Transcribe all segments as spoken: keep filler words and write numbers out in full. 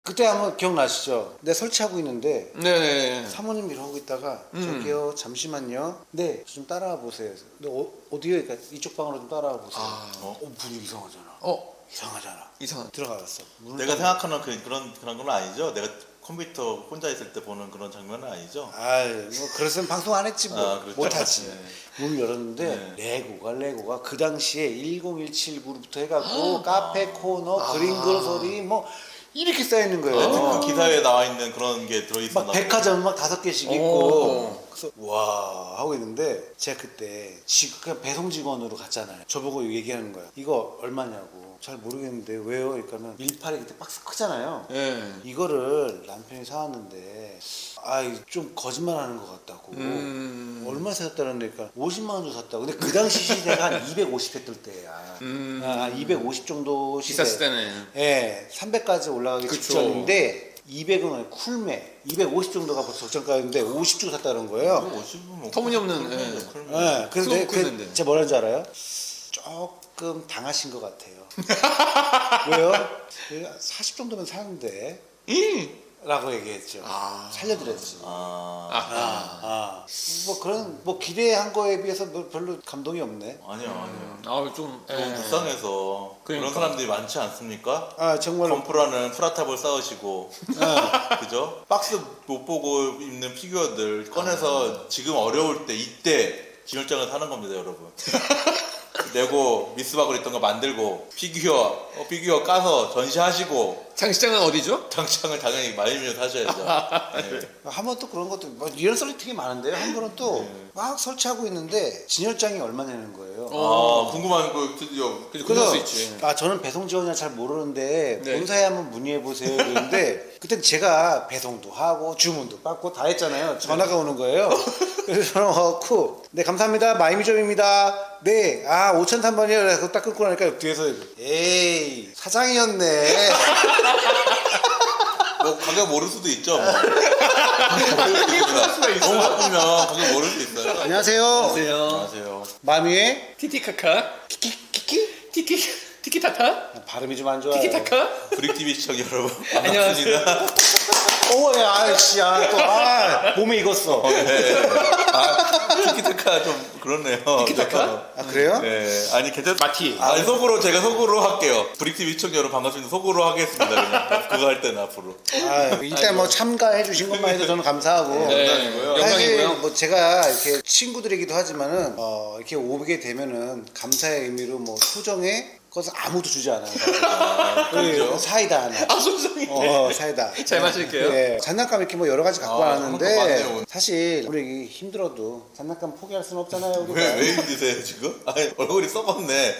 그때 한번 기억나시죠? 내가 설치하고 있는데 네네. 사모님 이러고 있다가 음. 저기요 잠시만요. 네, 좀 따라와 보세요. 근데 어, 어디요? 그러니까 이쪽 방으로 좀 따라와 보세요. 아. 어, 어 문이 이상하잖아. 어 이상하잖아. 이상. 들어가봤어. 내가 생각하는 그, 그런 그런 건 아니죠. 내가 컴퓨터 혼자 있을 때 보는 그런 장면은 아니죠. 아이 뭐 그랬으면 방송 안 했지 뭐. 아, 그렇죠. 못하지. 네. 문을 열었는데 네. 레고가 레고가 그 당시에 천십칠구부터 해갖고 카페 코너 그림 그로서리 뭐 이렇게 쌓여 있는 거예요. 네, 그 기사에 나와 있는 그런 게 들어있었나 막 백화점 막 다섯 개씩 오. 있고 그래서 와 하고 있는데 제가 그때 지, 그냥 배송 직원으로 갔잖아요. 저보고 얘기하는 거야. 이거 얼마냐고. 잘 모르겠는데 왜요? 그러니까는 밀팔이 그때 박스 크잖아요. 네. 이거를 남편이 사왔는데 아좀 거짓말하는 것 같다고. 음. 얼마 샀다는 데니까 오십만 원 주고 샀다고. 근데 그 당시 시세가 한 이백오십 했을 때야. 음. 아, 이백오십 정도 시세. 비쌌을 때네. 예, 삼백까지 올라가기 그쵸. 직전인데 이백은 쿨매, 이백오십 정도가 벌써 적정가였는데 오십 주고 샀다는 거예요. 오십은 뭐 터무니없는, 쿨- 예. 쿨- 쿨- 예, 그래서 그거 내- 그, 쿨매인데. 제가 뭐라는 줄 알아요? 조금 당하신 것 같아요. 왜요? 사십 정도면 사는데 이. 라고 얘기했죠. 아. 살려드렸지. 아, 아. 아, 아. 뭐 그런 뭐 기대한 거에 비해서 뭐 별로 감동이 없네. 아니요, 아니요. 아좀 너무 예. 불쌍해서 그러니까. 그런 사람들이 많지 않습니까? 아 정말. 건프라는 프라탑을 쌓으시고 아, 그죠? 박스 못 보고 입는 피규어들 꺼내서 지금 어려울 때 이때 진열장을 사는 겁니다, 여러분. 레고 미스박을 있던 거 만들고 피규어 어, 피규어 까서 전시하시고 장시장은 어디죠? 장창을 당연히 말리면 사셔야죠. 네. 한 번 또 그런 것도 뭐 이런 썰이 되게 많은데요. 한 번은 또 막 설치하고 있는데 진열장이 얼마 내는 거예요. 어. 아 궁금한 거 드디어 그래서 그럴 수 있지. 아 저는 배송 지원이라 잘 모르는데 네. 본사에 한번 문의해 보세요. 그런데 그때 제가 배송도 하고 주문도 받고 다 했잖아요. 전화가 오는 거예요. 그래서 전화 와갖고 네 감사합니다. 마이미점입니다. 네, 아 오천삼 번이요. 그래서 딱 끊고 나니까 뒤에서 에이 사장이었네. 뭐 가격 모를 수도 있죠. 뭐. 너무 바쁘면 가격 모를 수 있어요. 안녕하세요. 안녕하세요. 안녕하세요. 마미의 티티카카. 키키 키키 티키 티키타카. 발음이 좀 안 좋아요. 티키타카. 브릭티비 시청 여러분 안녕하세요. 반갑습니다. 오, 야, 아이씨, 야, 또, 아, 몸에 익었어. 네. 아, 티키타카 좀 그렇네요. 티키타카? 아, 그래요? 네. 아니 괜찮. 마티. 아 속으로 제가 속으로 할게요. 브릭티비 시청 여러분 반갑습니다. 속으로 하겠습니다. 그냥 그거 할 때는 앞으로. 아, 일단 뭐 참가해 주신 것만 해도 저는 감사하고. 네. 영광이고요. 사실 영광이고요. 뭐 제가 이렇게 친구들이기도 하지만은, 어, 이렇게 오게 되면은 감사의 의미로 뭐 소정의 것을 아무도 주지 않아요. 아, 그렇죠. 사이다 하나. 아 소정이. 어, 사이다. 잘 마실게요. 네. 장난감 이렇게 뭐 여러 가지 갖고 아, 왔는데, 장난감 많네요. 사실 우리 힘들어도 장난감 포기할 수는 없잖아요. 우리가. 왜, 왜 힘드세요 지금? 아니 얼굴이 썩었네.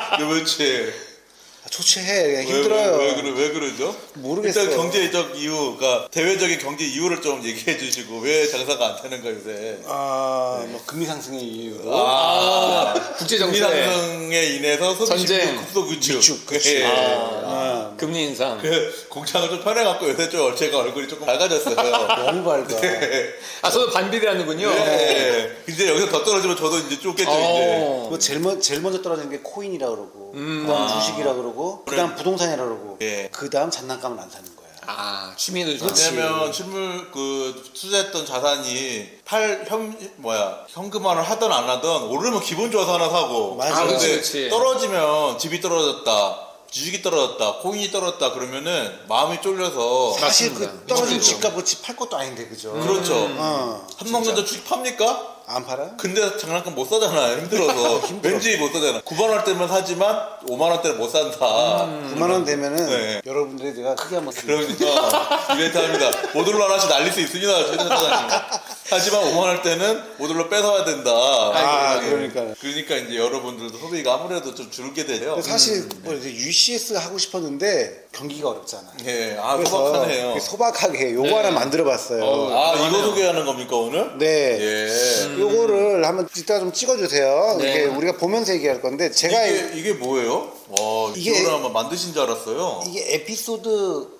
요며칠 아, 초췌해. 왜, 힘들어요. 왜, 왜, 그러, 왜 그러죠? 모르겠어요. 일단 경제적 이유, 그러니까 대외적인 경제 이유를 좀 얘기해 주시고 왜 장사가 안 되는가 요새. 아, 뭐 금리 상승의 이유로. 아 국제 정세. 상승에 인해서 소비 전쟁. 심리 급속 위축. 위축, 그치. 예. 아, 금리 인상. 그 공장을 좀 편해갖고 요새 좀 제가 얼굴이 조금 밝아졌어요. 너무 밝아. 네. 아 저도 반비례하는군요. 네. 이제 여기서 더 떨어지면 저도 이제 쫓겠죠 이제. 어. 뭐 제일, 먼, 제일 먼저 떨어지는 게 코인이라 그러고, 음. 그다음 아. 주식이라 그러고, 그다음 부동산이라 그러고, 예. 그다음 장난감은 안 사는 거야. 아 취미도 좀. 그렇지. 왜냐면 실물 그 투자했던 자산이 팔 현 뭐야 현금화를 하든 안 하든 오르면 기분 좋아서 하나 사고. 맞아. 아, 그치, 근데 그치. 떨어지면 집이 떨어졌다. 주식이 떨어졌다, 코인이 떨어졌다 그러면은 마음이 쫄려서 사실 그 맞습니다. 떨어진 그렇죠. 집값 그치 팔 것도 아닌데, 그죠? 그렇죠. 어, 삼성전자 주식 팝니까? 안 팔아요? 근데 장난감 못 사잖아 힘들어서 왠지 못 사잖아. 구만 원대면 사지만 오만 원대는 못 산다. 구만 원 되면은 네. 여러분들이 내가 크게 한번 그러니까 이벤트 합니다. 모듈러 하나씩 날릴 수 있습니다. 최대사장님. 하지만 오만 원대는 모듈러 뺏어야 된다. 아, 예. 그러니까요. 그러니까 이제 여러분들도 소비가 아무래도 좀 줄게 되죠. 근데 사실 뭐 이제 유씨에스 하고 싶었는데 경기가 어렵잖아. 예, 아 그래서 소박하네요. 소박하게 요거 네. 하나 만들어봤어요. 어, 아 이거 그러네요. 소개하는 겁니까 오늘? 네. 예. 요거를 한번 이따 좀 찍어주세요. 네. 이렇게 우리가 보면서 얘기할 건데 제가 이게 이게 뭐예요? 와 이게- 이거를 한번 만드신 줄 알았어요. 이게 에피소드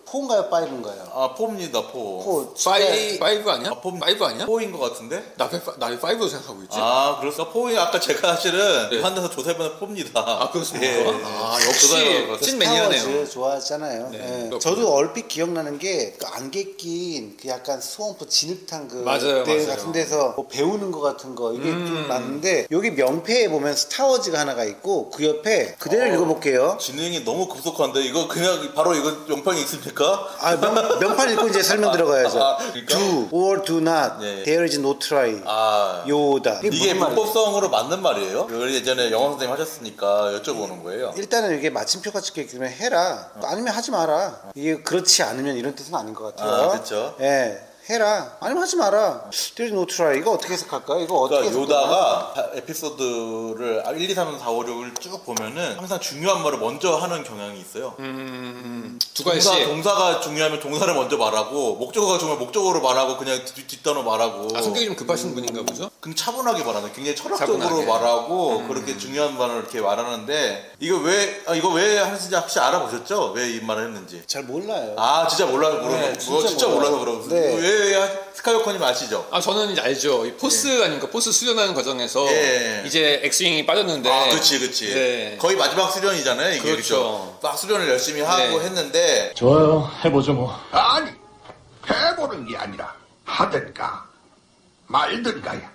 포인가요, 파이브인가요? 아 포입니다 포. 포. 파이 파이브 아니야? 아, 포- 파이브 아니야? 포인 것 같은데? 나 파- 나 파이브로 생각하고 있지. 아 그렇소. 포인 아까 제가 사실은 네. 환대에서 조사해보는 포입니다. 아, 그렇습니까? 예. 아, 역시 조사해봐서. 찐 매니아네요. 스타워즈 좋아하잖아요. 네, 예. 그렇군요. 저도 얼핏 기억나는 게 그 안개 낀 그 약간 스왑프 진흙탕 그 맞아요, 대 맞아요. 같은 데서 뭐 배우는 거 같은 거 이게 좀 맞는데 여기 명패에 보면 스타워즈가 하나가 있고 그 옆에 그대로 어. 읽어볼게요. 진행이 너무 급속한데 이거 그냥 바로 이거 영평이 있습니까? 아, 명, 명판 읽고 이제 설명 들어가야죠. 아, 그러니까? Do or do not. 예. There is no try. 아 요다. 이게 무슨 말이에요? 문법성으로 맞는 말이에요? 우리 예전에 영어 선생님 하셨으니까 여쭤보는 거예요. 일단은 이게 마침표가 찍혀있으면 해라. 아니면 하지 마라. 이게 그렇지 않으면 이런 뜻은 아닌 것 같아요. 아, 그쵸. 예. 해라. 아니면 하지 마라. There is no try. 이거 어떻게 해석할까요? 이거 어떻게 그러니까 해석할까요? 요다가 에피소드를 일, 이, 삼, 사, 오, 육을 쭉 보면은 항상 중요한 말을 먼저 하는 경향이 있어요. 음, 두 가지. 동사, 동사가 중요하면 동사를 먼저 말하고 목적어가 중요하면 목적어로 말하고 그냥 뒷, 뒷단어 말하고 아, 성격이 좀 급하신 분인가 보죠? 그냥 차분하게 말하는 굉장히 철학적으로 차분하게. 말하고 그렇게 중요한 말을 이렇게 말하는데 이거 왜 아, 이거 왜 하는지 혹시 알아보셨죠? 왜 이 말을 했는지. 잘 몰라요. 아 진짜 몰라서 그러고 네, 진짜, 뭐, 진짜 진짜 몰라요. 몰라서 그러고 네. 왜, 왜 스카이워커님 아시죠? 아, 저는 이제 알죠. 이 포스 아닙니까? 포스 수련하는 과정에서 예. 이제 엑스윙이 빠졌는데. 아 그치 그치 네. 거의 마지막 수련이잖아요 이게 그렇죠. 그렇죠? 막 수련을 열심히 하고 네. 했는데 좋아요. 해보죠 뭐. 아니, 해보는 게 아니라 하든가 말든가야.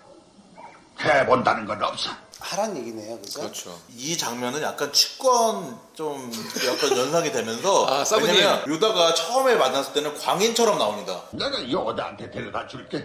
해본다는 건 없어. 하란 얘기네요. 그죠? 그렇죠. 이 장면은 약간 치권 좀 약간 연상이 되면서 아, 사부님. 왜냐면 요다가 처음에 만났을 때는 광인처럼 나옵니다. 내가 요다한테 데려다 줄게.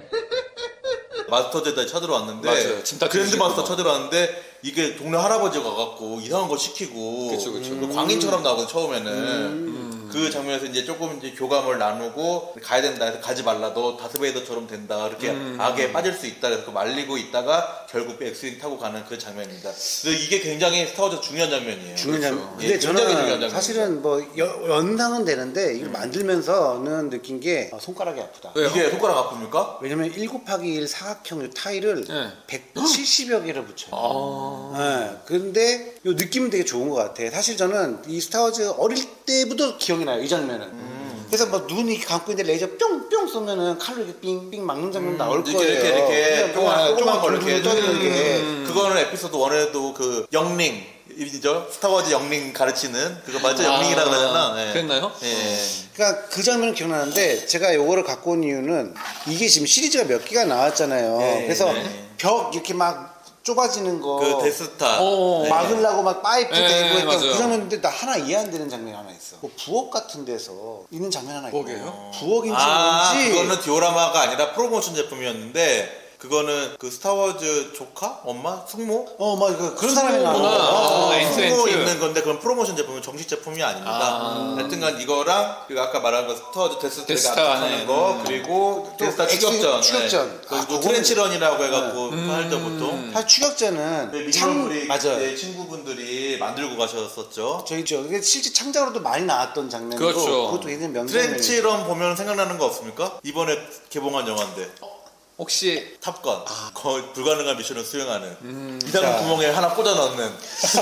마스터 제다이 찾으러 왔는데 맞아요. 짐 다 그랜드 뒤지고 마스터 막. 찾으러 왔는데 이게 동네 할아버지가 가갖고 이상한 거 시키고 그쵸, 그쵸. 그 광인처럼 나오거든 처음에는 그 장면에서 이제 조금 이제 교감을 나누고 가야 된다 해서 가지 말라 너 다스베이더처럼 된다 이렇게 악에 빠질 수 있다 그래서 말리고 있다가 결국 엑스윙 타고 가는 그 장면입니다. 그래서 이게 굉장히 스타워즈 중요한 장면이에요. 중요한 그렇죠. 장면. 예, 근데 굉장히 중요한 저는 장면입니다. 사실은 뭐 여- 연상은 되는데 이걸 만들면서는 느낀 게 아, 손가락이 아프다. 왜요? 이게 손가락 아픕니까? 왜냐면 일 곱하기 일 사각형 요 타일을 네. 백칠십여 개를 붙여요. 아. 네. 근데 요 느낌은 되게 좋은 것 같아. 사실 저는 이 스타워즈 어릴 때부터 기억이 나요. 이 장면은. 음. 그래서 뭐 눈이 감고 있는데 레이저 뿅뿅 쏘면은 칼로 이렇게 삥삥 막는 장면 나올 음, 이렇게 거예요. 이렇게 이렇게 그냥 뭐 조그만 걸 둥둥 이렇게 떠드는 게. 음. 그거는 에피소드 일에도 그 영링 이죠 스타워즈 영링 가르치는 그거 맞죠? 아, 영링이라 그러잖아. 예. 그랬나요? 예. 그러니까 그 장면은 기억나는데 제가 요거를 갖고 온 이유는 이게 지금 시리즈가 몇 개가 나왔잖아요. 네, 그래서 네. 벽 이렇게 막 좁아지는 거 그 데스타. 어. 네. 막으려고 막 파이프 네, 대고 했던 맞아요. 그 장면인데 나 하나 이해 안 되는 장면이 하나 있어. 뭐 부엌 같은 데서 있는 장면 하나 있고. 부엌이에요? 부엌인지 아, 뭔지. 그거는 디오라마가 아니라 프로모션 제품이었는데 그거는 그 스타워즈 조카? 엄마? 숙모? 어, 막 그, 그런 사람이 숙모구나. 나오는 아, 거. 엔트, 숙모 엔트. 있는 건데 그건 프로모션 제품은 정식 제품이 아닙니다. 아. 하여튼간 이거랑 그리고 아까 말한 거 스타워즈 데스타가 데스타 하는 안에. 거 음. 그리고 또 데스타 엑스 추격전. 추격전. 네. 아, 그리고 그거는- 트렌치런이라고 해갖고 할때 보통 사실 추격자는 네, 창 미니멀 맞아요. 네, 친구분들이 만들고 가셨었죠. 저희 저 이게 실제 창작으로도 많이 나왔던 장면이고 그렇죠. 그것도 굉장히 명장면이에요. 트렌치런 보면 생각나는 거 없습니까? 이번에 개봉한 영화인데 혹시 탑건 거의 불가능한 미션을 수행하는 자. 이상 구멍에 하나 꽂아 넣는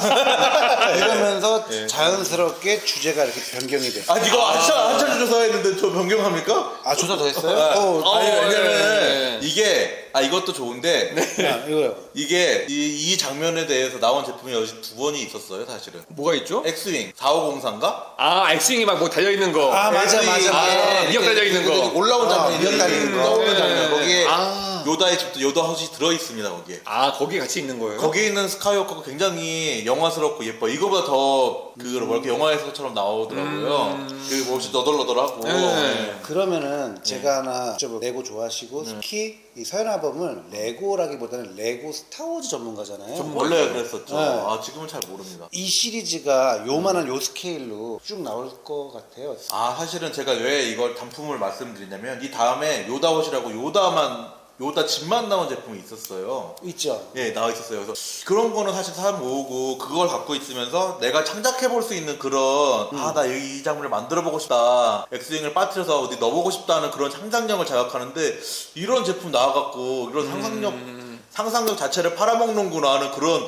이러면서 예. 자연스럽게 주제가 이렇게 변경이 돼. 아 이거 한참 한참 조사했는데 저 변경합니까? 아 조사 더 했어요? 아, 어, 아니 어, 왜냐면 네. 이게 아 이것도 좋은데 야, 이거요. 이게 이, 이 장면에 대해서 나온 제품이 여기 두 번이 있었어요 사실은. 뭐가 있죠? 엑스윙 사오공사인가? 아, 엑스윙이 막 뭐 달려있는 거. 아, 맞아, 맞아. 아, 이렇게 미역 달려있는 거. 이렇게 올라온 아, 장면이 미역 달리는 거. 떠오르는 네. 장면 거기에 아. 요다의 집도 요다 헛이 들어 있습니다 거기에. 아, 거기 같이 있는 거예요? 거기에 있는 스카이워커가 굉장히 영화스럽고 예뻐. 이거보다 더 그 뭐 이렇게 영화에서처럼 나오더라고요. 그 몹시 너덜너덜하고. 네. 그러면은 제가 하나 여쭤볼게요. 레고 좋아하시고 특히 이 서연아범은 레고라기보다는 레고 스타워즈 전문가잖아요. 원래 그랬었죠. 네. 아 지금은 잘 모릅니다. 이 시리즈가 요만한 요 스케일로 쭉 나올 것 같아요. 아 사실은 제가 왜 이걸 단품을 말씀드리냐면 이 다음에 요다옷이라고 요다만 요다 집만 나온 제품이 있었어요. 있죠. 예, 나와 있었어요. 그래서 그런 거는 사실 사람 모으고 그걸 갖고 있으면서 내가 창작해 볼 수 있는 그런 아 나 이 장면을 만들어 보고 싶다. 엑스윙을 빠뜨려서 어디 넣어보고 싶다는 그런 상상력을 자극하는데 이런 제품 나와갖고 이런 상상력 상상력 자체를 팔아먹는구나 하는 그런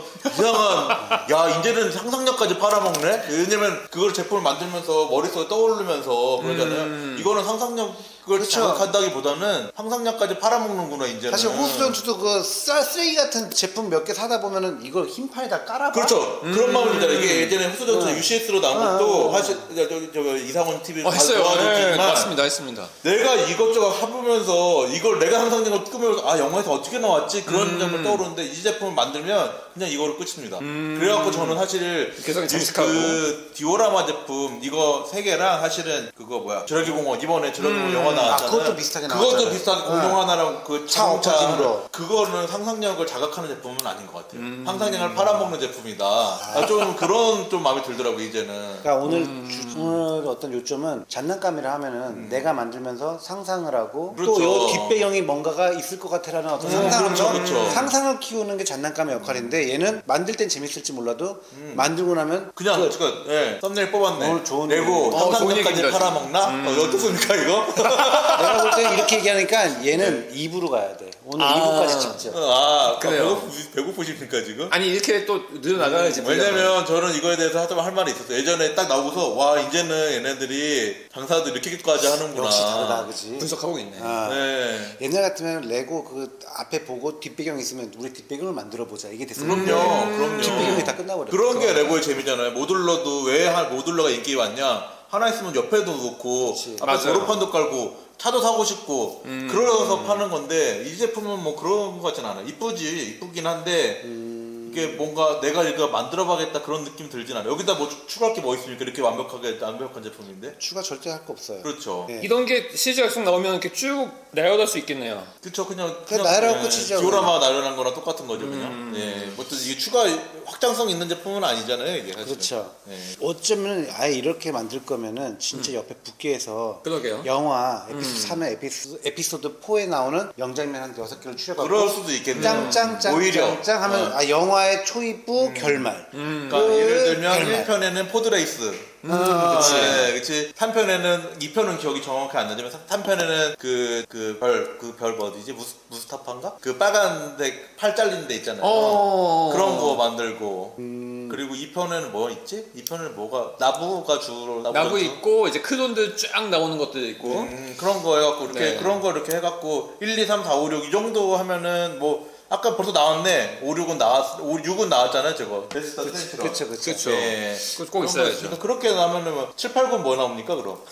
이상한 야 이제는 상상력까지 팔아먹네. 왜냐면 그걸 제품을 만들면서 머릿속에 떠오르면서 그러잖아요. 음. 이거는 상상력을 그렇죠. 자극한다기보다는 상상력까지 팔아먹는구나 이제는. 사실 호수전투도 그 쌀- 쓰레기 같은 제품 몇 개 사다 보면은 이걸 흰판에다 깔아봐. 그렇죠. 그런 마음이 들잖아요. 이게 예전에 후수전투 음. 유씨에스로 나온 아, 것도 아, 사실 저, 저, 저 이상원 티비 어, 했어요. 네, 도와줬지만 맞습니다. 했습니다. 내가 이것저것 해보면서 이걸 내가 상상력을 꾸면서 아 영화에서 어떻게 나왔지 그런 음. 점을 떠오르는데 이 제품을 만들면 그냥 이거로 끝입니다. 그래갖고 저는 사실 개성이 이- 장식하고. 그 디오라마 제품 이거 세 개랑 사실은 그거 뭐야 주라기 공원 이번에 주라기 공원 영화 나왔잖아요. 아, 그것도 비슷하게 그것도 나왔잖아요. 비슷하게 네. 공룡 하나랑 그 차 자동차 엎어진 거. 그거는 상상력을 자극하는 제품은 아닌 것 같아요. 음. 상상력을 팔아먹는 제품이다. 아, 좀 그런 좀 마음이 들더라고 이제는. 그러니까 오늘 주- 오늘 어떤 요점은 장난감이라 하면은 내가 만들면서 상상을 하고 그렇죠. 또 요 뒷배경이 뭔가가 있을 것 같아라는 어떤 음, 상상을 그렇죠, 그렇죠. 상상을 키우는 게 장난감의 역할인데 얘는 만들 땐 재밌을지 몰라도 만들고 나면 그냥 끝. 그 예, 썸네일 뽑았네. 오늘 좋은 내고 얘기. 어, 좋은 상상력까지 얘기입니다, 팔아먹나? 어, 어떻습니까 이거? 내가 볼 때 이렇게 얘기하니까 얘는 이 부로 가야 돼. 오늘 아. 이 부까지 찍죠. 아, 그래요. 배고프, 배고프십니까 지금? 아니 이렇게 또 늘어나가야지. 왜냐면 저는 이거에 대해서 하자면 할 말이 있었어요. 예전에 딱 나오고서 와 이제는 얘네들이 장사도 이렇게까지 하는구나. 역시 다르다, 그지? 분석하고 있네. 아. 네. 옛날 같으면 레고 그 앞에 보고 뒷배경 있으면 우리 뒷배경을 만들어 보자 이게 됐을 그럼요, 텐데 그럼요. 뒷배경이 다 끝나버려. 그런 게 레고의 재미잖아요. 모듈러도 왜 한 모듈러가 인기 많냐? 하나 있으면 옆에도 놓고 그치. 앞에 맞아요. 도로판도 깔고 차도 사고 싶고 음. 그러서 파는 건데 이 제품은 뭐 그런 것 같진 않아요. 이쁘지 이쁘긴 한데 이게 뭔가 내가 이거 만들어봐야겠다 그런 느낌 들진 않아요. 여기다 뭐 추- 추가할 게 뭐 있습니까? 이렇게 완벽하게 완벽한 제품인데. 추가 절대 할 거 없어요. 그렇죠. 네. 이런 게 시리즈가 쭉 나오면 이렇게 쭉 나열할 수 있겠네요. 그쵸 그냥 그냥 나열하고 끝이죠, 디오라마 나열한 거랑 똑같은 거죠 그냥. 음. 예. 뭐또 이게 추가 확장성 있는 제품은 아니잖아요 이게 사실. 그렇죠. 예. 어쩌면 아예 이렇게 만들 거면은 진짜 옆에 붙게 해서 그러게요. 영화 에피소드 삼에 에피소드, 에피소드 사에 나오는 명장면 한 여섯 개를 추려갖고 그럴 수도 있겠네요. 짱짱짱 오히려. 짱짱 하면 어. 아 영화의 초입부 결말. 그러니까 끝, 예를 들면 결말. 일 편에는 포드레이스. 아, 그치. 네, 그치. 삼 편에는, 이 편은 기억이 정확히 안 나지만, 삼 편에는 그, 그 별, 그 별 뭐 어디지? 무스, 무스타파인가? 그 빨간색 팔 잘린 데 있잖아요. 어. 그런 거 만들고. 음. 그리고 이 편에는 뭐 있지? 이 편에는 뭐가, 나부가 주로, 나부가 나무 주- 있고 이제 크론들 쫙 나오는 것도 있고. 음, 그런 거 해갖고, 이렇게, 네. 그런 거 이렇게 해갖고, 일, 이, 삼, 사, 오, 육 이 정도 하면은 뭐, 아까 벌써 나왔네. 오, 육은 나왔, 오, 육은 나왔잖아요, 저거. 베스트 텐트로. 그쵸 그쵸. 그쵸. 예. 그거 꼭 그런 거 있어야죠. 있으니까 그렇게 나면은 뭐 칠, 팔, 구 뭐 나옵니까, 그럼?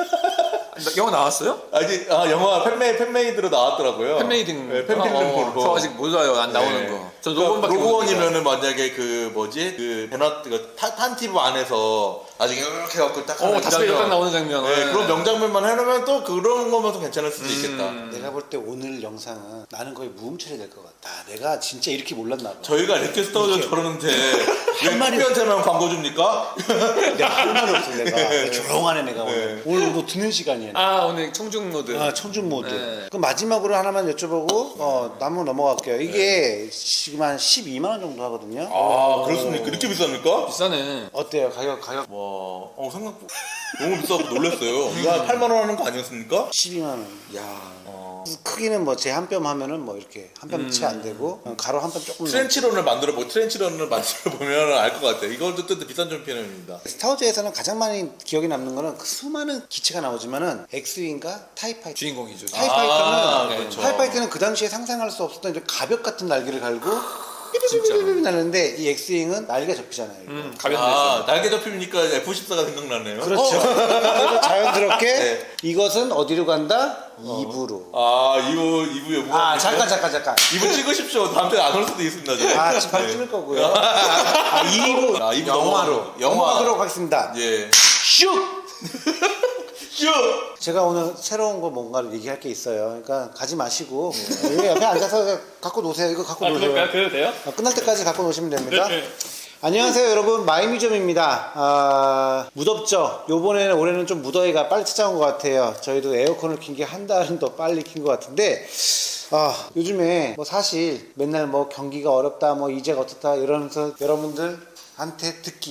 영화 나왔어요? 아직 아 영화 팬메이 팬메이드로 나왔더라고요. 팬메이딩. 네, 팬필름으로. 저 아직 몰라요. 안 나오는 거. 저 로건밖에 모르니까. 로건이면은 만약에 그 뭐지 그 베너 그 타- 탄티브 안에서 나중에 이렇게 갖고 딱 어, 하는 다섯 그 개 장면. 딱 나오는 장면. 네, 그런 명장면만 해놓으면 또 그런 거면 또 괜찮을 수도 있겠다. 내가 볼 때 오늘 영상은 나는 거의 무음처리 될 것 같다. 내가 진짜 이렇게 몰랐나 봐. 저희가 이렇게 스타워즈 저러는데 왜 말이 팬한테만 광고 줍니까? 내가 할 말이 없어 내가. 조용하네 내가 오늘. 네. 오늘 뭐 듣는 시간이야. 아 오늘 청중 모드. 아, 청중 모드. 네. 그럼 마지막으로 하나만 여쭤보고 어, 남은 넘어갈게요. 이게 지금 한 십이만 원 정도 하거든요. 아 그렇습니까? 이렇게 비쌉니까? 비싸네. 어때요? 가격 가격 와, 어 생각 너무 비싸고 놀랐어요. 이거 한 팔만 원 하는 거 아니었습니까? 십이만 원. 야. 크기는 뭐 제 한 뼘 하면은 뭐 이렇게 한 뼘 채 안 되고 어, 가로 한 뼘 조금. 넘- 트렌치런을 만들어 보 트렌치런을 만들어 보면 알 것 같아요. 이것도 또 비싼 종편입니다. 스타워즈에서는 가장 많이 기억에 남는 거는 그 수많은 기체가 나오지만은 엑스윙과 타이파이터. 주인공이죠. 타이파이터는 아, 네. 그렇죠. 타이파이터는 그 당시에 상상할 수 없었던 이제 가벽 같은 날개를 갈고 진짜. 삐삐삐삐삐 나는데 이 엑스윙은 날개 접히잖아요. 이거. 음, 가볍네요. 아, 날개 접히니까 에프 십사가 생각나네요. 그렇죠. 그래서 자연스럽게 네. 이것은 어디로 간다? 이부로. 아, 이부 이부 여부. 아 잠깐 잠깐 잠깐. 이부 찍으십시오. 다음 주에 안 올 수도 있습니다. 저. 아 지금 바로 찍을 거고요. 아 이부 아, 이부 영화로 넘어가- 영화. 넘어가도록 하겠습니다. 예. 슉. 슈. 제가 오늘 새로운 거 뭔가를 얘기할 게 있어요. 그러니까 가지 마시고 여기 옆에 앉아서 갖고 노세요. 이거 갖고 아 노세요. 그럴까요? 그래도 돼요? 어, 끝날 때까지 갖고 노시면 됩니다. 네. 안녕하세요 여러분, 마이뮤지엄입니다. 아, 무덥죠? 요번에는 올해는 좀 무더위가 빨리 찾아온 것 같아요. 저희도 에어컨을 킨 게 한 달은 더 빨리 킨 것 같은데 아, 요즘에 뭐 사실 맨날 뭐 경기가 어렵다 뭐 이제가 어떻다 이러면서 여러분들한테 듣기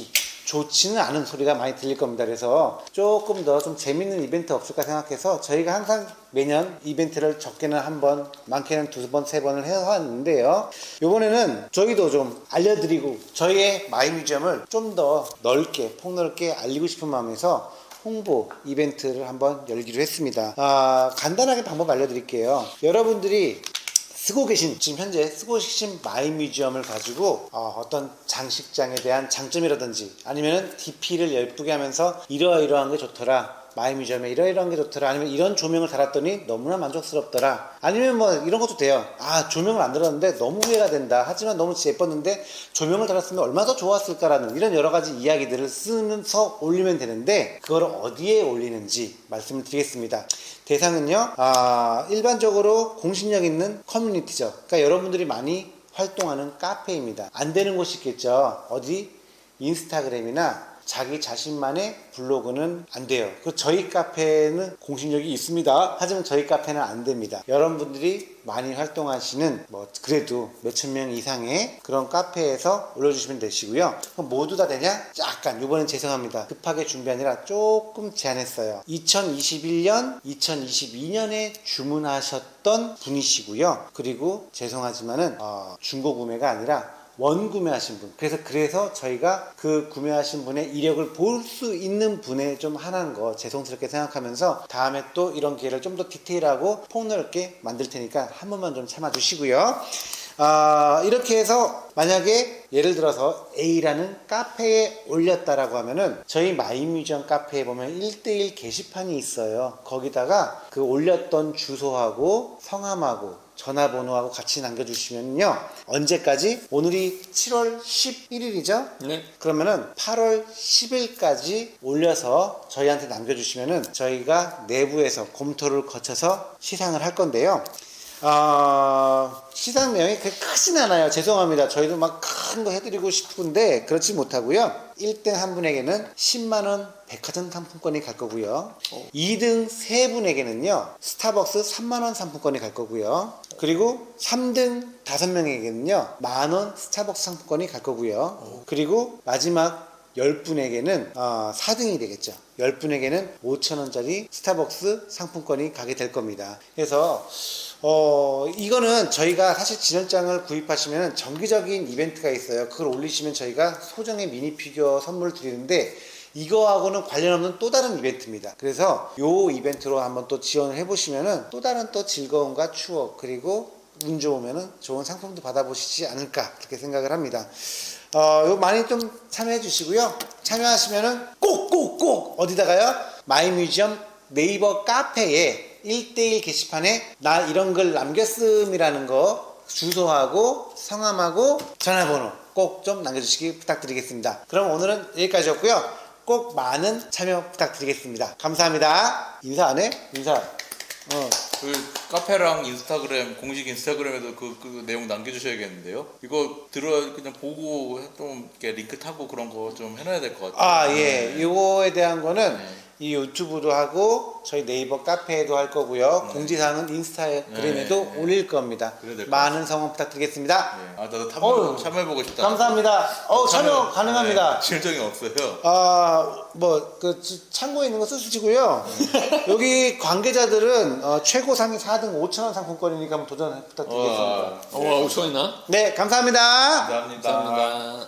좋지는 않은 소리가 많이 들릴 겁니다. 그래서 조금 더 좀 재밌는 이벤트 없을까 생각해서 저희가 항상 매년 이벤트를 적게는 한 번, 많게는 두 번, 세 번을 해왔는데요. 이번에는 저희도 좀 알려드리고 저희의 마이뮤지엄을 좀 더 넓게, 폭넓게 알리고 싶은 마음에서 홍보 이벤트를 한번 열기로 했습니다. 아, 간단하게 방법 알려드릴게요. 여러분들이 쓰고 계신, 지금 현재 쓰고 계신 마이뮤지엄을 가지고 어, 어떤 장식장에 대한 장점이라든지 아니면 디피를 예쁘게 하면서 이러이러한 게 좋더라, 마이뮤지엄에 이러이러한 게 좋더라, 아니면 이런 조명을 달았더니 너무나 만족스럽더라, 아니면 뭐 이런 것도 돼요. 아, 조명을 안 달았는데 너무 후회가 된다, 하지만 너무 예뻤는데 조명을 달았으면 얼마나 더 좋았을까라는 이런 여러 가지 이야기들을 쓰면서 올리면 되는데, 그걸 어디에 올리는지 말씀을 드리겠습니다. 대상은요, 아, 일반적으로 공신력 있는 커뮤니티죠. 그러니까 여러분들이 많이 활동하는 카페입니다. 안 되는 곳이 있겠죠. 어디? 인스타그램이나 자기 자신만의 블로그는 안 돼요. 그 저희 카페는 공신력이 있습니다. 하지만 저희 카페는 안 됩니다. 여러분들이 많이 활동하시는 뭐 그래도 몇천 명 이상의 그런 카페에서 올려주시면 되시고요. 그럼 모두 다 되냐? 약간 이번엔 죄송합니다. 급하게 준비하느라 조금 제한했어요. 이천이십일 년, 이천이십이 년에 주문하셨던 분이시고요. 그리고 죄송하지만은 어, 중고 구매가 아니라 원 구매하신 분, 그래서 그래서 저희가 그 구매하신 분의 이력을 볼 수 있는 분에 좀 하나는 거 죄송스럽게 생각하면서 다음에 또 이런 기회를 좀 더 디테일하고 폭넓게 만들 테니까 한 번만 좀 참아 주시고요. 아, 이렇게 해서 만약에 예를 들어서 A라는 카페에 올렸다라고 하면은 저희 마이뮤지엄 카페에 보면 일 대일 게시판이 있어요. 거기다가 그 올렸던 주소하고 성함하고 전화번호하고 같이 남겨주시면요. 언제까지? 오늘이 칠월 십일일이죠? 네. 그러면은 팔월 십일까지 올려서 저희한테 남겨주시면은 저희가 내부에서 검토를 거쳐서 시상을 할 건데요. 어, 시상 내용이 그렇게 크진 않아요. 죄송합니다. 저희도 막 큰 거 해드리고 싶은데 그렇지 못하고요. 일 등 한 분에게는 십만 원 백화점 상품권이 갈 거고요. 이 등 세 분에게는요. 스타벅스 삼만 원 상품권이 갈 거고요. 그리고 삼 등 다섯 명에게는요. 만 원 스타벅스 상품권이 갈 거고요. 그리고 마지막 열 분에게는 어, 사 등이 되겠죠. 열 분에게는 오천 원짜리 스타벅스 상품권이 가게 될 겁니다. 그래서 어, 이거는 저희가 사실 진열장을 구입하시면 정기적인 이벤트가 있어요. 그걸 올리시면 저희가 소정의 미니 피규어 선물 드리는데 이거하고는 관련 없는 또 다른 이벤트입니다. 그래서 요 이벤트로 한번 또 지원을 해보시면은 또 다른 또 즐거움과 추억, 그리고 운 좋으면은 좋은 상품도 받아보시지 않을까 그렇게 생각을 합니다. 어, 요 많이 좀 참여해 주시고요. 참여하시면은 꼭 꼭 꼭 어디다가요? 마이뮤지엄 네이버 카페에 일 대일 게시판에 나 이런 글 남겼음이라는 거 주소하고 성함하고 전화번호 꼭 좀 남겨주시기 부탁드리겠습니다. 그럼 오늘은 여기까지였고요. 꼭 많은 참여 부탁드리겠습니다. 감사합니다. 인사 안 해? 인사. 어. 그 카페랑 인스타그램, 공식 인스타그램에도 그, 그 내용 남겨주셔야겠는데요. 이거 들어 그냥 보고 좀 이렇게 링크 타고 그런 거 좀 해놔야 될 것 같아요. 아, 예. 네. 이거에 대한 거는 네. 이 유튜브도 하고 저희 네이버 카페에도 할 거고요. 네. 공지사항은 인스타그램에도 네, 네. 올릴 겁니다. 그래야 될것 많은 성원 부탁드리겠습니다. 네. 아, 나도 어휴, 참여, 참여해보고 싶다. 감사합니다. 어, 참여 가능합니다. 네, 진정이 없어요. 아, 뭐, 그, 참고에 있는 거 쓰시고요. 여기 관계자들은 어, 최고 상위 사 등 오천 원 상품권이니까 한번 도전 부탁드리겠습니다. 와, 어, 오천 원이나? 네, 감사합니다. 감사합니다. 감사합니다.